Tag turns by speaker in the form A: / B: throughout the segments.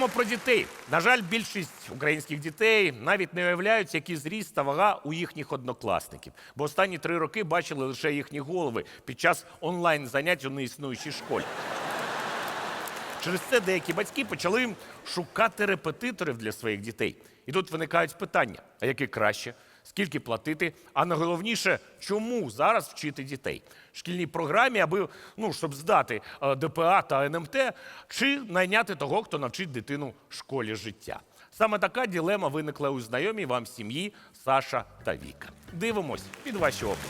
A: Поговоримо про дітей. На жаль, більшість українських дітей навіть не уявляють, який зріст та вага у їхніх однокласників. Бо останні 3 роки бачили лише їхні голови під час онлайн-занять у неіснуючій школі. Через це деякі батьки почали шукати репетиторів для своїх дітей. І тут виникають питання, а яке краще, скільки платити, а найголовніше, чому зараз вчити дітей? В шкільній програмі, аби, щоб здати ДПА та НМТ, чи найняти того, хто навчить дитину школі життя. Саме така дилема виникла у знайомій вам сім'ї Саша та Віка. Дивимось під ваші описи.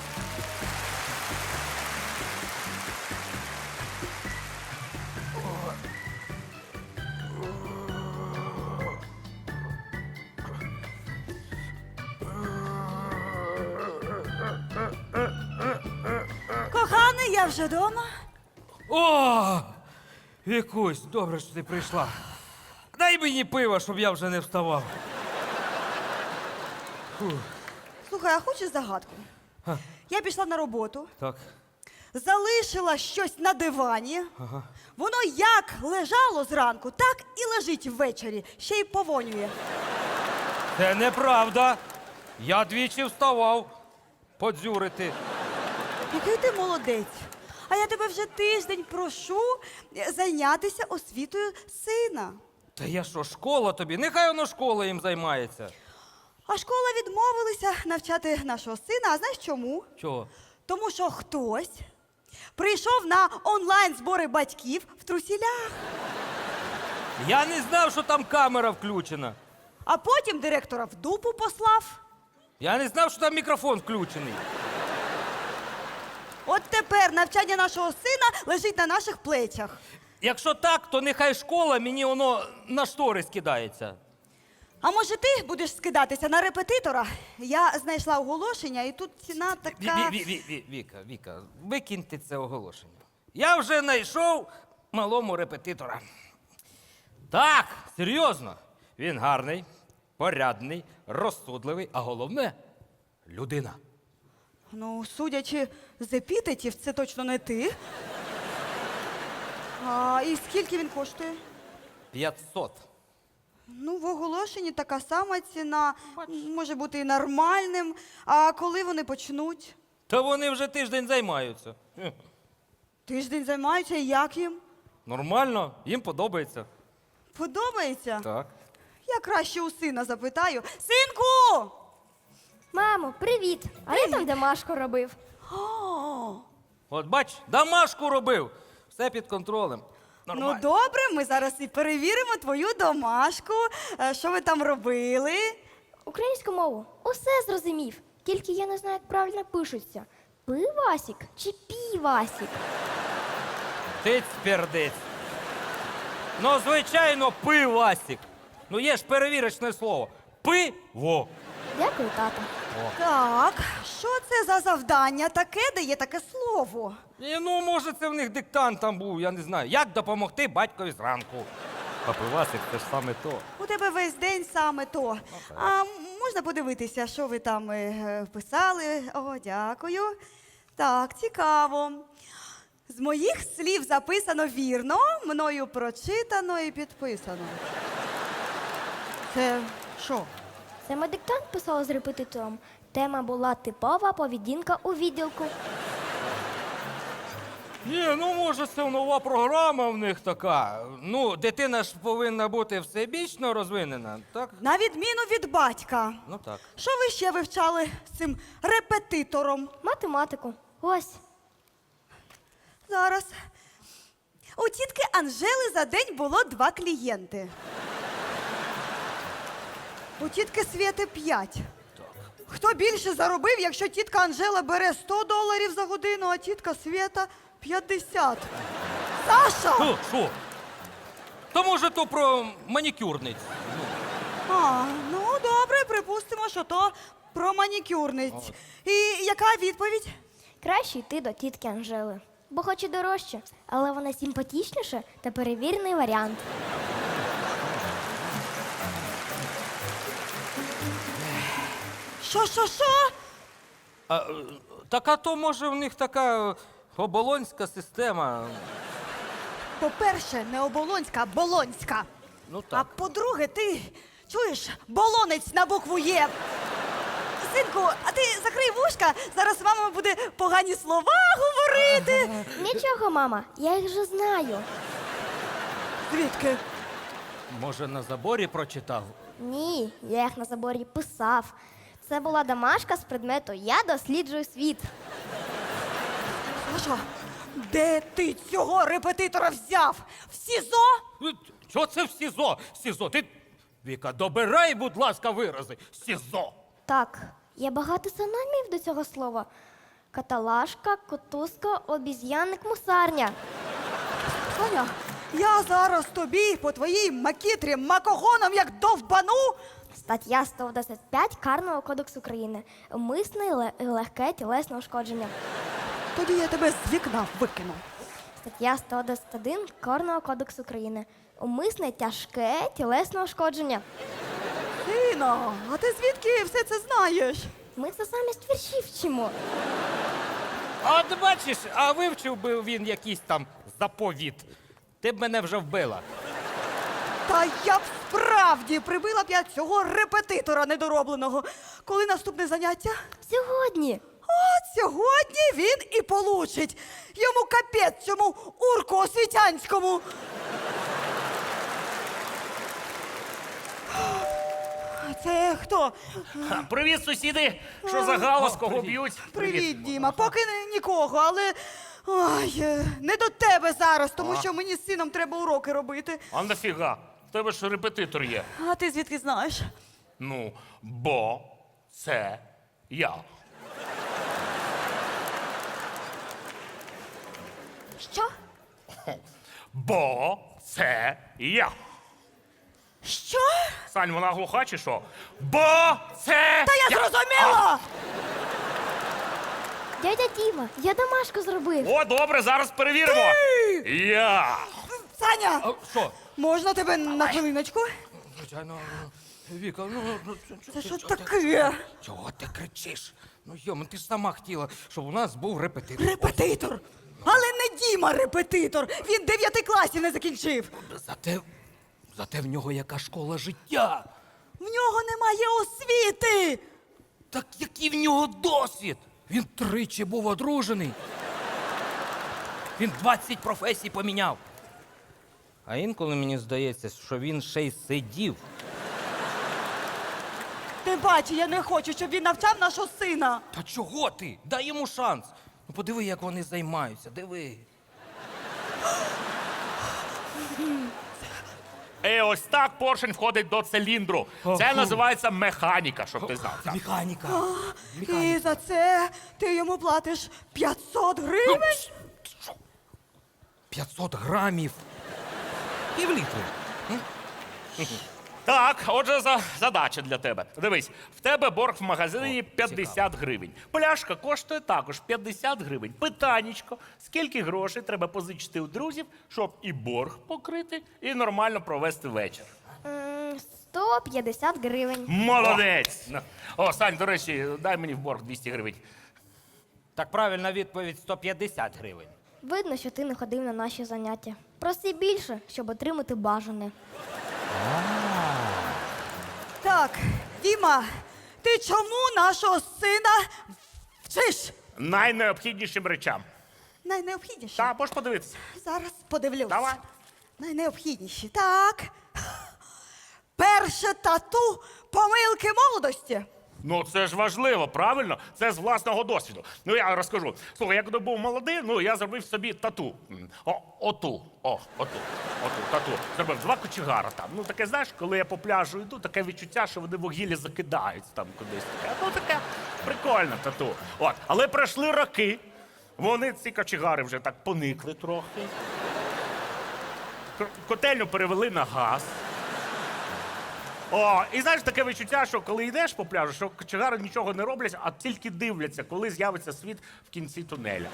B: Коханий, я вже вдома.
C: О, Вікусь, добре, що ти прийшла. Дай мені пива, щоб я вже не вставав.
B: Слухай, а хочеш загадку? Я пішла на роботу,
C: Так.
B: залишила щось на дивані. Воно як лежало зранку, так і лежить ввечері. Ще й повонює.
C: Це неправда. Я двічі вставав подзюрити.
B: Який ти молодець. А я тебе вже тиждень прошу зайнятися освітою сина.
C: Та я що, школа тобі? Нехай воно школа їм займається.
B: А школа відмовилася навчати нашого сина. А знаєш чому?
C: Чого?
B: Тому що хтось прийшов на онлайн-збори батьків в трусілях.
C: Я не знав, що там камера включена.
B: А потім директора в дупу послав.
C: Я не знав, що там мікрофон включений.
B: От тепер навчання нашого сина лежить на наших плечах.
C: Якщо так, то нехай школа мені воно на штори скидається.
B: А може ти будеш скидатися на репетитора? Я знайшла оголошення, і тут ціна така...
C: Віка, викиньте це оголошення. Я вже знайшов малому репетитора. Так, серйозно. Він гарний, порядний, розсудливий, а головне – людина.
B: Ну, судячи з епітетів, це точно не ти. А, і скільки він коштує?
C: 500.
B: Ну, в оголошенні така сама ціна, може бути і нормальним. А коли вони почнуть?
C: Та вони вже тиждень займаються.
B: Тиждень займаються, і як їм?
C: Нормально, їм подобається.
B: Подобається?
C: Так.
B: Я краще у сина запитаю. Синку!
D: Мамо, привіт! А я там домашку робив.
B: О,
C: От бач, домашку робив. Все під контролем.
B: ну
C: Нормально.
B: добре, ми зараз і перевіримо твою домашку. Що ви там робили?
D: Українську мову усе зрозумів. Тільки я не знаю, як правильно пишуться. Пивасік чи півасік?
C: Тиць-пердиць. Ну, звичайно, пивасік. Ну, є ж перевірочне слово. Пиво.
D: Дякую, тато.
B: Так, що це за завдання таке, де є таке слово?
C: І, ну, може, це в них диктант там був, я не знаю. Як допомогти батькові зранку? А пивасик – це ж саме то.
B: У тебе весь день саме то. А можна подивитися, що ви там писали? О, дякую. Так, цікаво. З моїх слів записано вірно, мною прочитано і підписано. Це що?
D: Це ми диктант писали з репетитором. Тема була типова поведінка у відділку.
C: Ні, ну, може, це нова програма в них така. Ну, дитина ж повинна бути всебічно розвинена, так?
B: На відміну від батька.
C: Ну, так.
B: Що ви ще вивчали з цим репетитором?
D: Математику. Ось.
B: Зараз. У тітки Анжели за день було 2 клієнти. У тітки Свєти 5. Хто більше заробив, якщо тітка Анжела бере $100 за годину, а тітка Свєта 50? Саша!
C: Що? То, може, то про манікюрниць.
B: А, ну добре, припустимо, що то про манікюрниць. І яка відповідь?
D: Краще йти до тітки Анжели. Бо хоч і дорожче, але вона симпатічніша та перевірений варіант.
B: Що?
C: Так, а то, може, в них така оболонська система.
B: По-перше, не оболонська, а болонська.
C: Ну
B: А
C: так.
B: по-друге, ти чуєш, болонець на букву Є. Синку, а ти закрий вушка, зараз мама буде погані слова говорити.
D: Нічого, мама, я їх вже знаю.
B: Звідки?
C: Може, на заборі прочитав?
D: Ні, я їх на заборі писав. Це була домашка з предмету Я досліджую світ.
B: Саша, де ти цього репетитора взяв? В СІЗО?
C: Що це в СІЗО? СІЗО, ти... Віка, добирай, будь ласка, вирази. СІЗО.
D: Так, є багато синонімів до цього слова. Каталашка, котузка, обіз'янник, мусарня.
B: Саня, я зараз тобі по твоїй макітрі макогоном як довбану.
D: Стаття 125 Карного кодексу України. Умисне і легке тілесне ушкодження.
B: Тоді я тебе з вікна викину.
D: Стаття 111 Карного кодексу України. Умисне тяжке тілесне ушкодження.
B: Сина, а ти звідки все це знаєш?
D: Ми це замість віршів вчимо.
C: А от бачиш, а вивчив би він якийсь там заповіт. Ти б мене вже вбила.
B: Та я б справді прибила б я цього репетитора недоробленого. Коли наступне заняття?
D: Сьогодні.
B: От сьогодні він і получить. Йому капець цьому урку освітянському. Це хто?
A: Привіт, сусіди! Що за галас, кого
C: привіт.
A: б'ють?
B: Привіт, Діма. Поки нікого, але ой, не до тебе зараз, тому що мені з сином треба уроки робити.
A: А нафіга? В тебе ж репетитор є.
B: А ти звідки знаєш?
A: Ну, бо це я.
D: Що?
A: Бо це я.
B: Що?
A: Сань, вона глуха чи що? Бо це.
B: Та я зрозуміла!
D: Дядя Діма, я домашку зробив.
A: О, добре, зараз перевіримо. Я.
B: Саня,
C: А що?
B: можна тебе на хвилиночку?
C: Звичайно, Віка,
B: Це що таке?
C: Чого ти кричиш? Ну, йому, ти ж сама хотіла, щоб у нас був репетитор.
B: Репетитор. Але не Діма репетитор. Він 9 класів не закінчив.
C: Зате в нього яка школа життя.
B: В нього немає освіти.
C: Так який в нього досвід? Він 3 був одружений. Він 20 професій поміняв. А інколи мені здається, що він ще й сидів.
B: Ти бачиш, я не хочу, щоб він навчав нашого сина.
C: Та чого ти? Дай йому шанс. Ну подиви, як вони займаються, диви.
A: Ось так поршень входить до циліндру. Це називається механіка, щоб ти знав. Так.
C: Механіка.
B: І за це ти йому платиш 500 гривень?
C: 500 грамів. Півлітри.
A: Так, отже, задача для тебе. Дивись, в тебе борг в магазині 50 гривень. Пляшка коштує також 50 гривень. Питаннячко, скільки грошей треба позичити у друзів, щоб і борг покрити, і нормально провести вечір?
D: 150 гривень.
A: Молодець! О, Сань, до речі, дай мені в борг 200 гривень.
C: Так правильна відповідь 150 гривень.
D: Видно, що ти не ходив на наші заняття. Проси більше, щоб отримати бажане.
B: Так, Діма, ти чому нашого сина вчиш?
A: Найнеобхіднішим речам.
B: Найнеобхідніші.
A: Та, можеш подивитися.
B: Зараз подивлюсь.
A: Давай.
B: Найнеобхідніші. Так. Перше тату помилки молодості.
A: Ну, це ж важливо, правильно? Це з власного досвіду. Ну, я розкажу. Слухай, я коли був молодий, я зробив собі тату. Оту, тату. Зробив 2 кочегара там. Ну, таке, знаєш, коли я по пляжу йду, таке відчуття, що вони вугілля закидають там кудись. Таке прикольне тату. От. Але пройшли роки, вони, ці кочегари, вже так поникли трохи. Котельню перевели на газ. О, і знаєш, таке відчуття, що коли йдеш по пляжу, що кочегари нічого не роблять, а тільки дивляться, коли з'явиться світ в кінці тунеля.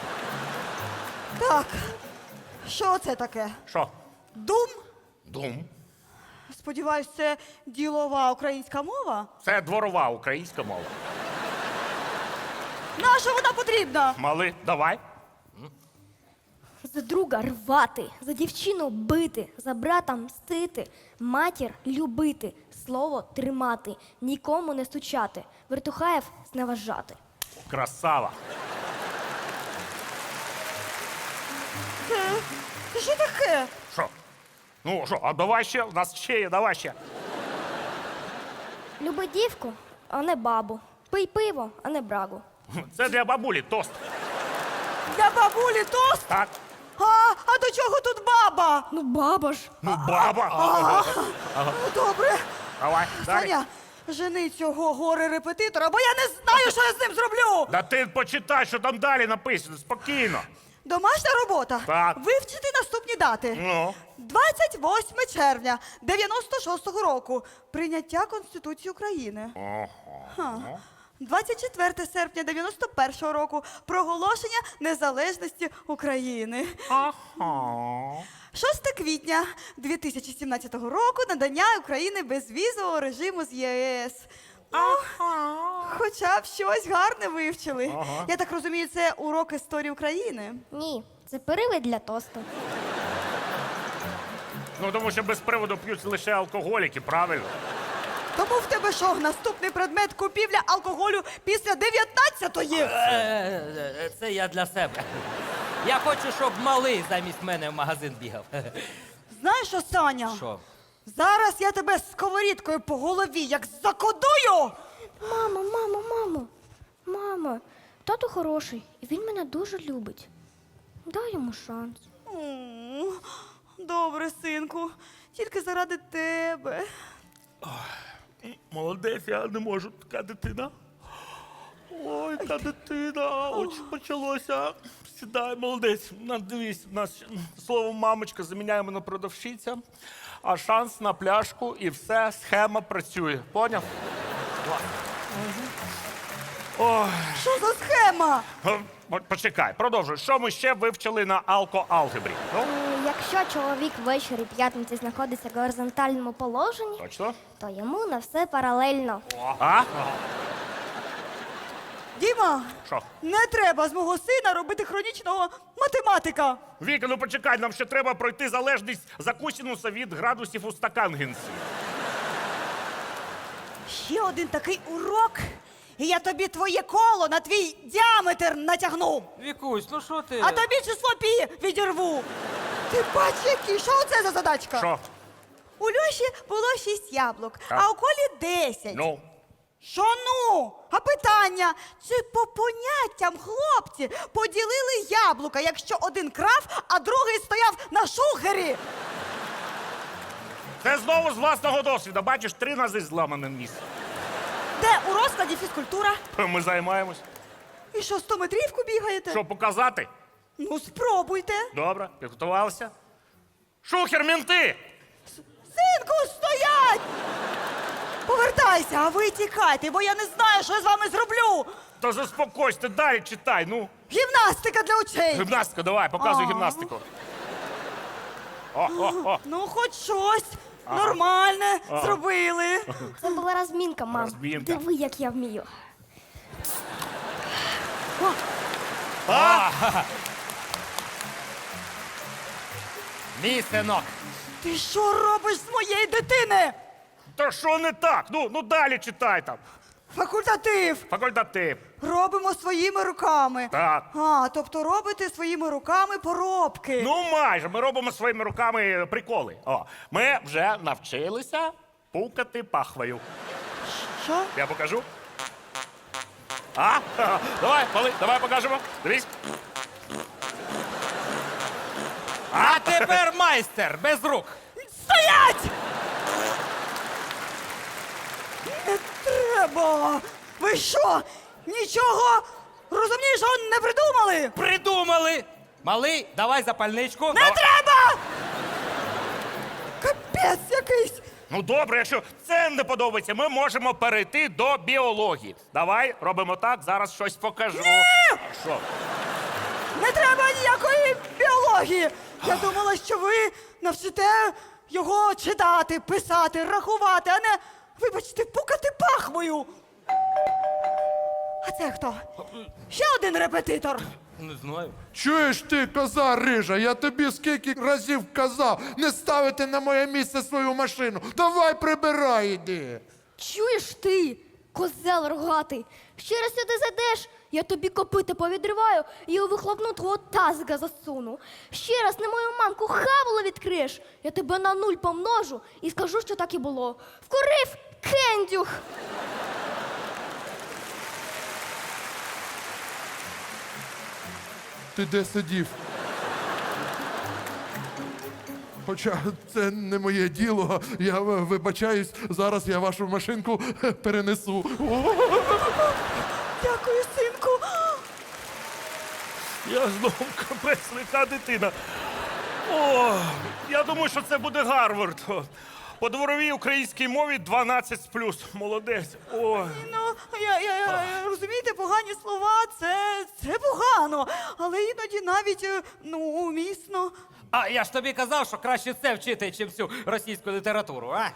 B: Так. Що це таке?
A: Що?
B: Дум?
A: Дум.
B: Сподіваюсь, це ділова українська мова?
A: Це дворова українська мова.
B: Наша вона потрібна?
A: Мали, давай.
D: За друга рвати, за дівчину бити, за брата мстити, матір любити, слово тримати, нікому не стучати, вертухаєв зневажати.
A: Красава.
B: Це що таке?
A: Що? Ну що, а давай ще, у нас ще є, давай ще.
D: Люби дівку, а не бабу. Пий пиво, а не брагу.
A: Це для бабулі тост.
B: Для бабулі тост?
A: Так?
B: А до чого тут баба?
D: Ну баба ж.
A: Ну, баба.
B: Добре.
A: Давай, далі.
B: Саня, жени цього горе-репетитора, бо я не знаю, що я з ним зроблю.
A: Да ти почитай, що там далі написано, спокійно.
B: Домашня робота.
A: Так.
B: Вивчити наступні дати.
A: Ну.
B: 28 червня 96-го року. Прийняття Конституції України. Ха. 24 серпня 91-го року. Проголошення незалежності України. 6 квітня 2017 року. Надання України безвізового режиму з ЄС. Ну, хоча б щось гарне вивчили. Я так розумію, це урок історії України.
D: Ні, це привид для тосту.
A: Ну, тому що без приводу п'ють лише алкоголіки, правильно?
B: Тому в тебе що, наступний предмет купівля алкоголю після 19-ї?
C: Це я для себе. Я хочу, щоб малий замість мене в магазин бігав.
B: Знаєш що, Саня?
C: Що?
B: Зараз я тебе сковорідкою по голові як закодую!
D: Мамо, тато хороший, і він мене дуже любить. Дай йому шанс.
B: Добре, синку, тільки заради тебе.
A: Молодець, я не можу, така дитина. Ой, та дитина, ось почалося. Сідай, молодець. Дивись, у нас слово мамочка заміняємо на продавщиця, а шанс на пляшку і все, схема працює. Поняв? Ой.
B: Що за схема?
A: Почекай, продовжуй. Що ми ще вивчили на алко-алгебрі? Ну,
D: Якщо чоловік ввечері п'ятниці знаходиться в горизонтальному положенні,
A: точно?
D: то йому на все паралельно.
A: А?
B: Діма,
A: Що?
B: не треба з мого сина робити хронічного математика.
A: Віка, ну почекай, нам ще треба пройти залежність за косінуса від градусів у стакангенсі.
B: Ще один такий урок, і я тобі твоє коло на твій діаметр натягну.
C: Вікусь, ну що ти?
B: А тобі число пі відірву. Ти бач, який, що це за задачка?
A: Що?
B: У Льоші було 6 яблук,
A: Так.
B: а у Колі 10.
A: Ну,
B: Що ну? А питання, чи по поняттям хлопці поділили яблука, якщо один крав, а другий стояв на шухері?
A: це знову з власного досвіду. Бачиш, 3 рази зламаним ніс.
B: Де у розкладі фізкультура?
A: Ми займаємось.
B: І що, 100 метрівку бігаєте?
A: Що, показати?
B: Ну, спробуйте.
A: Добре, підготувалися. Шухер, мінти!
B: Синку, стоять! Повертайся, а ви тікайте, бо я не знаю, що я з вами зроблю.
A: То заспокойся, далі читай, ну.
B: Гімнастика для очей.
A: Гімнастика, давай, показуй
B: А.
A: гімнастику. О.
B: Ну, хоч щось нормальне зробили.
D: Це була розмінка, мам.
A: Розмінка.
D: Диви, як я вмію.
C: Мій синок.
B: Ти що робиш з моєї дитини?
A: То що не так? Ну далі читай там.
B: Факультатив.
A: Факультатив.
B: Робимо своїми руками.
A: Так.
B: Тобто робите своїми руками поробки.
A: Ну майже, ми робимо своїми руками приколи. Ми вже навчилися пукати пахвою.
B: Що?
A: Я покажу. Давай, мали, давай покажемо. Дивись.
C: А тепер майстер, без рук.
B: Стоять! Не треба! Ви що? Нічого розумнішого не придумали?
C: Придумали. Малий, давай запальничку.
B: Не треба! Капець якийсь!
A: Ну добре, якщо це не подобається, ми можемо перейти до біології. Давай, робимо так, зараз щось покажу. Що?
B: Не треба ніякої біології! Я думала, що ви навчите його читати, писати, рахувати, а не, вибачте, пукати пахвою. А це хто? Ще один репетитор.
C: Не знаю.
E: Чуєш ти, коза рижа, я тобі скільки разів казав не ставити на моє місце свою машину. Давай прибирай, іди.
D: Чуєш ти, козел рогатий? Ще раз сюди зайдеш, я тобі копити повідриваю і у вихлопну твого тазика засуну. Ще раз на мою мамку хавало відкриєш, я тебе на 0 помножу і скажу, що так і було. Вкурив кендюх!
E: Ти де сидів? Хоча це не моє діло, я вибачаюсь, зараз я вашу машинку перенесу.
B: Дякую, синку.
A: Я знову капець лика дитина. О, я думаю, що це буде Гарвард. По дворовій українській мові 12+. Молодець. О.
B: Ну, розумієте, погані слова це погано, але іноді навіть умісно.
C: А я ж тобі казав, що краще це вчити, чим всю російську літературу, а?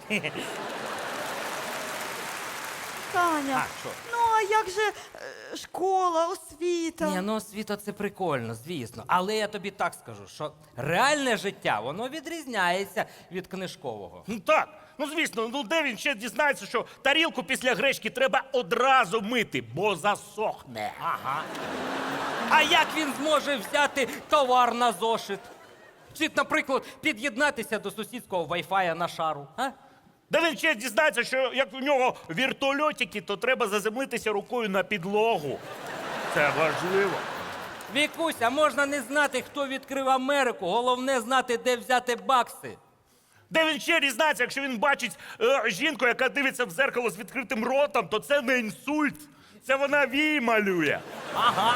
B: Таня,
C: А, що?
B: ну а як же школа, освіта?
C: Ні, ну освіта це прикольно, звісно. Але я тобі так скажу, що реальне життя, воно відрізняється від книжкового.
A: Ну так, ну звісно, ну де він ще дізнається, що тарілку після гречки треба одразу мити, бо засохне.
C: Ага. А як він зможе взяти товар на зошит? Чи, наприклад, під'єднатися до сусідського вайфая на шару? А?
A: Де він ще дізнається, що як у нього вертольотики, то треба заземлитися рукою на підлогу. Це важливо.
C: Вікуся, можна не знати, хто відкрив Америку. Головне знати, де взяти бакси.
A: Де він ще дізнається, якщо він бачить жінку, яка дивиться в зеркало з відкритим ротом, то це не інсульт, це вона вій малює.
C: Ага.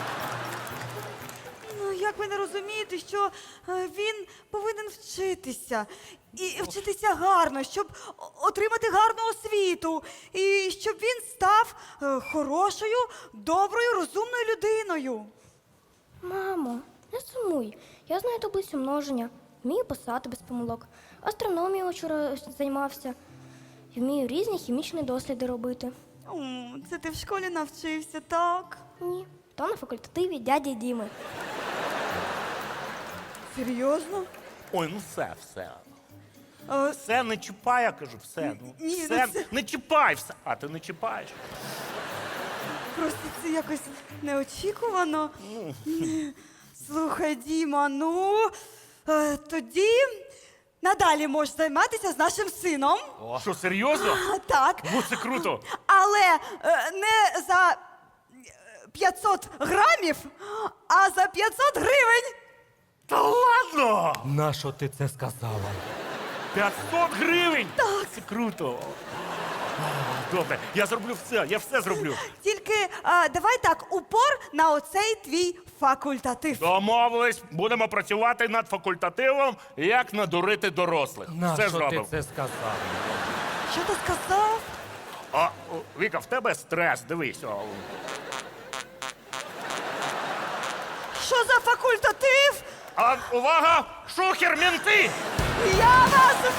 B: Ну, як ви не розумієте, що він повинен вчитися. І вчитися гарно, щоб отримати гарну освіту. І щоб він став хорошою, доброю, розумною людиною.
D: Мамо, не сумуй. Я знаю таблицю множення, вмію писати без помилок. Астрономією вчора займався. І вмію різні хімічні досліди робити.
B: Це ти в школі навчився, так?
D: Ні, то на факультативі дяді Діми.
B: Серйозно?
A: Ой, ну все.
B: Е,
A: Все, не чіпай, я кажу, все. Ну,
B: Ні, ну
A: все,
B: це-
A: не чіпай все. А ти не чіпаєш.
B: Просто це якось неочікувано. Слухай, Діма, тоді надалі можеш займатися з нашим сином.
A: Що, серйозно?
B: Так.
A: Ну, це круто.
B: Але не за 500 грамів, а за 500 гривень.
A: Та ладно!
C: Нащо ти це сказала?
A: 500 гривень! Так. Це круто. Добре, я зроблю все, я все зроблю.
B: Тільки давай так, упор на оцей твій факультатив.
A: Домовились, будемо працювати над факультативом, як надурити дорослих. Все
C: Нащо ти
A: зробимо.
C: це сказав?
B: Що ти сказав?
A: Віка, в тебе стрес, дивись.
B: Що за факультатив?
A: Увага! Шухер, менти!
B: Я вас